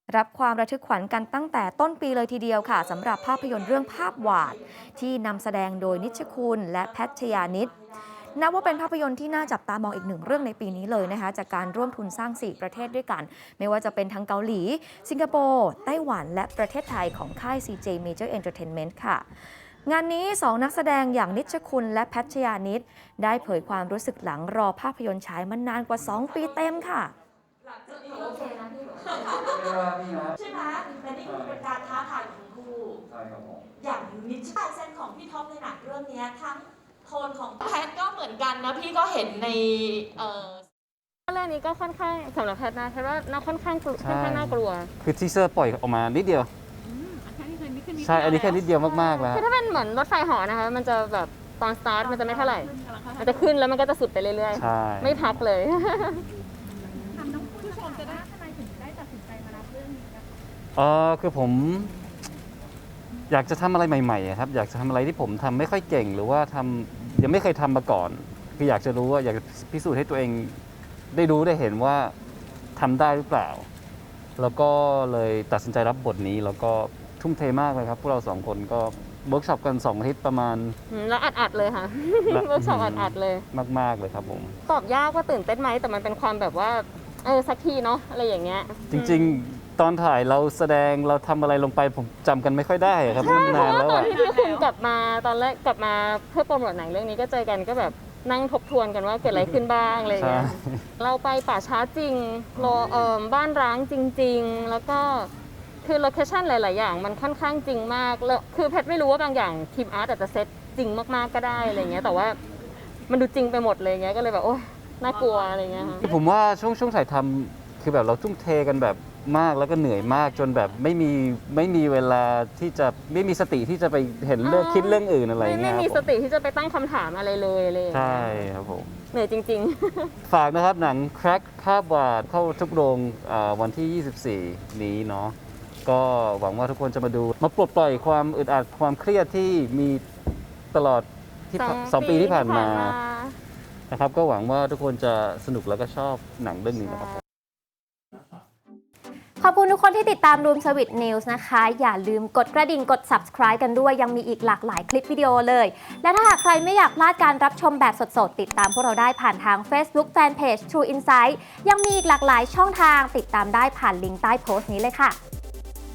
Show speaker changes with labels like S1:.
S1: รับความระทึกขวัญกันตั้งแต่ต้นปีเลยทีเดียวค่ะสำหรับภาพยนตร์เรื่องภาพวาดที่นำแสดงโดยนิชคุณและแพทยานิชนับว่าเป็นภาพยนตร์ที่น่าจับตามองอีกหนึ่งเรื่องในปีนี้เลยนะคะจากการร่วมทุนสร้าง 4 ประเทศด้วยกันไม่ว่าจะเป็นทั้งเกาหลีสิงคโปร์ไต้หวันและประเทศไทยของค่าย CJ Major Entertainment ค่ะงานนี้ 2 นักแสดงอย่างนิชคุณและแพทยานิชได้เผยความรู้สึกหลังรอภาพยนตร์ฉายมานานกว่า 2 ปีเต็มค่ะ
S2: โอเคนะพี่ใช่ไหมและนี่คือเป็นการท้าทายของทั้งคู่ใช่ครับผมอย่างนิชเซนของพี่ท็อปในหนังเรื่องนี้ทั้งโทนของแพทก็เหมือนกันนะพี่ก็เห็นใน
S3: เรื่องนี้ก็ค่อนข้างสำหรับแพทนะแพทว่าน่าค่อนข้างน่ากลัว
S4: คือทีเซอร์ปล่อยออกมานิดเดียวใช่อันนี้แค่นิดเดียวมากๆแล้ว
S3: คือถ้าเป็นเหมือนรถไฟเหาะนะคะมันจะแบบตอนสตาร์ทมันจะไม่เท่าไหร่มันจะขึ้นแล้วมันก็จะสุดไปเรื่อยๆไม่พักเลย
S5: ผู้ชมจะได้ทำไมถึงได้ตัดสินใจมารับเรื่องนี้คะ
S4: คือผมอยากจะทำอะไรใหม่ๆครับอยากจะทำอะไรที่ผมทำไม่ค่อยเก่งหรือว่ายังไม่เคยทำมาก่อนคืออยากจะรู้ว่าอยากพิสูจน์ให้ตัวเองได้รู้ได้เห็นว่าทำได้หรือเปล่าแล้วก็เลยตัดสินใจรับบทนี้แล้วก็ทุ่มเทมากเลยครับพวกเรา2 คนก็เวิร์กช็อปกัน2 อาทิตย์ประมาณ
S3: แล้วอัดเลยค่ะเวิร์กช็อปอัดเลย
S4: มากๆเลยครับผม
S3: ตอบยากว่าตื่นเต้นไหมแต่มันเป็นความแบบว่าสักทีเนาะอะไรอย่างเงี้ย
S4: จริงๆตอนถ่ายเราแสดงเราทำอะไรลงไปผมจำกันไม่ค่อยได้ครับ
S3: มัน
S4: นานแล้ว
S3: ตอนที่พี่คุณกลับมาตอนแรกกลับมาเพื่อโปรโมทหนังเรื่องนี้ก็เจอกันก็แบบนั่งทบทวนกันว่าเกิดอะไรขึ้นบ้างอะไรอย่างเงี้ยเราไปป่าช้าจริงบ้านร้างจริงๆแล้วก็คือโลเคชั่นหลายๆอย่างมันค่อนข้างจริงมากแล้วคือแพทไม่รู้ว่าบางอย่างทีมอาร์ตอาจจะเซตจริงมากๆก็ได้อะไรเงี้ยแต่ว่ามันดูจริงไปหมดเลยเงี้ยก็เลยแบบโอ๊ยน่ากลัวอะไรเงี้ยค่ะ
S4: ผมว่าช่วงถ่ายทำคือแบบเราทุ่มเทกันแบบมากแล้วก็เหนื่อยมากจนแบบไม่มีเวลาที่จะไม่มีสติที่จะไปเห็นเรื่องคิดเรื่องอื่นอะไรเงี้ย
S3: ไม่มีสติที่จะไปตั้งคำถามอะไรเลย
S4: ใช่ครับผม
S3: เหนื่อยจริงๆ
S4: ฝากนะครับหนังแคร็กภาพวาดเข้าทุกโรงวันที่ 24 นี้เนาะก็หวังว่าทุกคนจะมาดูมาปลดปล่อยความอึดอัดความเครียดที่มีตลอดที่2 ปีที่ผ่านมานะครับก็หวังว่าทุกคนจะสนุกแล้วก็ชอบหนังเรื่องนี้นะครับ
S1: ขอบคุณทุกคนที่ติดตาม Room Service News นะคะอย่าลืมกดกระดิ่งกด Subscribe กันด้วยยังมีอีกหลากหลายคลิปวิดีโอเลยและถ้าหากใครไม่อยากพลาดการรับชมแบบสดๆติดตามพวกเราได้ผ่านทาง Facebook Fanpage True Insight ยังมีอีกหลากหลายช่องทางติดตามได้ผ่านลิงก์ใต้โพสต์นี้เลยค่ะ